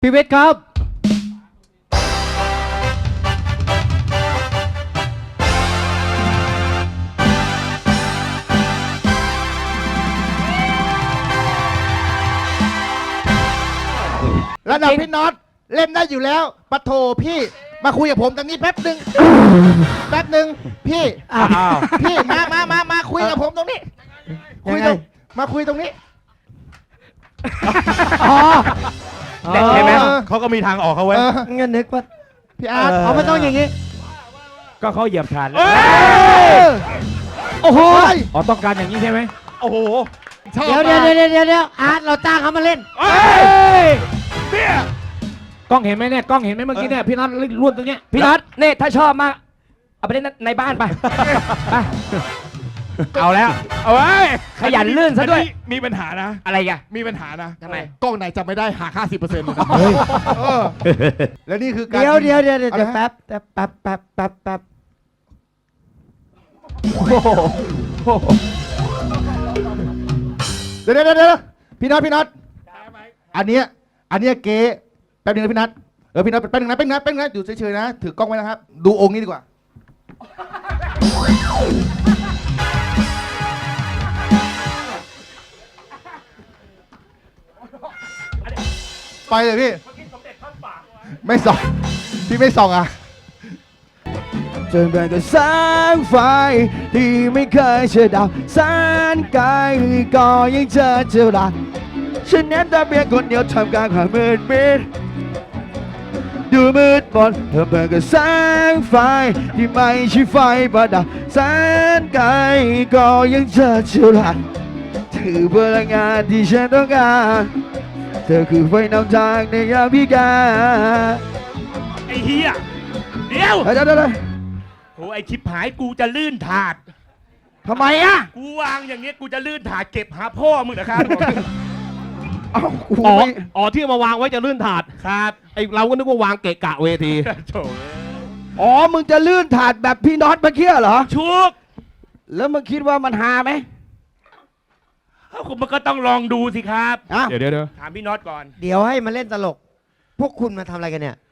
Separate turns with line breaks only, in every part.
พี่เวทครับ
ระดับพี่น็อตเล่นได้อยู่แล้วปะโถพี่มาคุยกับผมตรงนี้แป๊บหนึ่งพี่พี่มาคุยกับผมตรงนี้คุยตรงมาคุยตรงนี้
เด็กใช่ไหม
เขาก็มีทางออกเขาไว้
เงินนึกว่า
พี่อาร์ต
เอาไม่ต้องอย่างนี้
ก็เขาเหยียบฐานแล้ว
โอ้โห
อ๋อต้องการอย่างนี้ใช่ไหม
โอ้โห
ชอบ
เดี๋ยว
มาก
อาร์ตเราจ้างเขามาเล่น
เนี่ย
กล้องเห็นไหมเนี่ยกล้องเห็นไหมเมื่อกี้เนี่ยพี่น็อตล้วนตรงเนี้ย
พี่น็อตเนี่ยถ้าชอบมากเอาไปเล่นในบ้านไปไป
เอาแล้ว
เอาไว้
ขยันลื่นซะด้วย
มีปัญหานะ
อะไรกัน
มีปัญหานะ
ทำไม
กล้องไหนจำไม่ได้หัก 50%เลยนะแล้วนี่คือการ
เดี๋ยว
อะไรฮะ
แป๊บ
เดี๋ยวพี่น็อตอันเนี้ยเก๊แป๊บนึงนะพี่น็อตพี่น็อตแป๊บนึงนะอยู่เฉยๆนะถือกล้องไว้นะครับดูองค์นี้ดีกว่าไปเลยพี่ไม่ส่องพี่ไม่ส่องอ่ะจนเป็นกับแสงไฟที่ไม่เคยเชื่อดาวแสนไกลก็ยังเจอเจอรักฉันเน้นแต่เพียงคนเดียวทำกลางความมืดมิดดูมืดมนเธอเป็นกับแสงไฟที่ไม่ใช่ไฟประดับแสนไกลก็ยังเจอเจอรักเธอพลังงานที่ฉันต้องการเธอคือไฟนำทางในยามพิการ
ไอ้เฮียเดี๋ยว
เดี๋ยว
โหไอ้ชิบหายกูจะลื่นถาด
ทำไมอ่ะ
กูวางอย่างเงี้ยกูจะลื่นถาดเก็บหาพ่อมึงนะครับ
อ๋อที่เอามาวางไว้จะลื่นถาด
ครับ
ไอเราก็นึกว่าวางเกะกะเวที
โถ
อ๋อมึงจะลื่นถาดแบบพี่น็อตเมื่อกี้เหรอ
ชุก
แล้วมึงคิดว่ามันฮาไหม
มันก็ต้องลองดูสิครับ
อ่ะ
เดี๋ยว
ถามพี่น็อตก่อน
เดี๋ยวให้มาเล่นตลก พวกคุณมาทำอะไรกันเนี่ย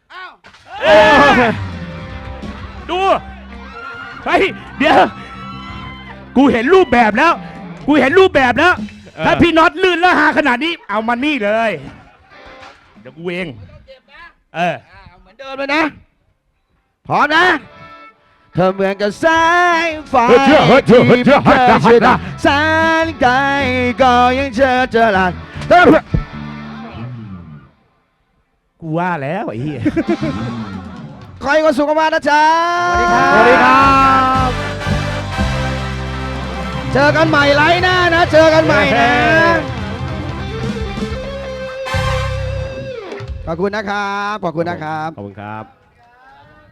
ดูเฮ้ยเดี๋ยวกูเห็นรูปแบบแล้ว ถ้าพี่น็อตลื่นแล้วหาขนาดนี้เอามานี่เลยเดี๋ยวกูเอง
เหมือนเดิมเลยนะพร้อมนะเธอเหมือนกับแสงไฟที่ไม่เคยเชื่อดาวแสนไกลก็ยังเจอหลัก
กูว่าแล้วไอ้เหี้ย
ขอให้ความสุขมากๆนะจ๊ะ
สวัสดีครับ
เจอกันใหม่ไลฟ์หน้านะเจอกันใหม่นะขอบคุณนะครับ
ขอบคุณครับ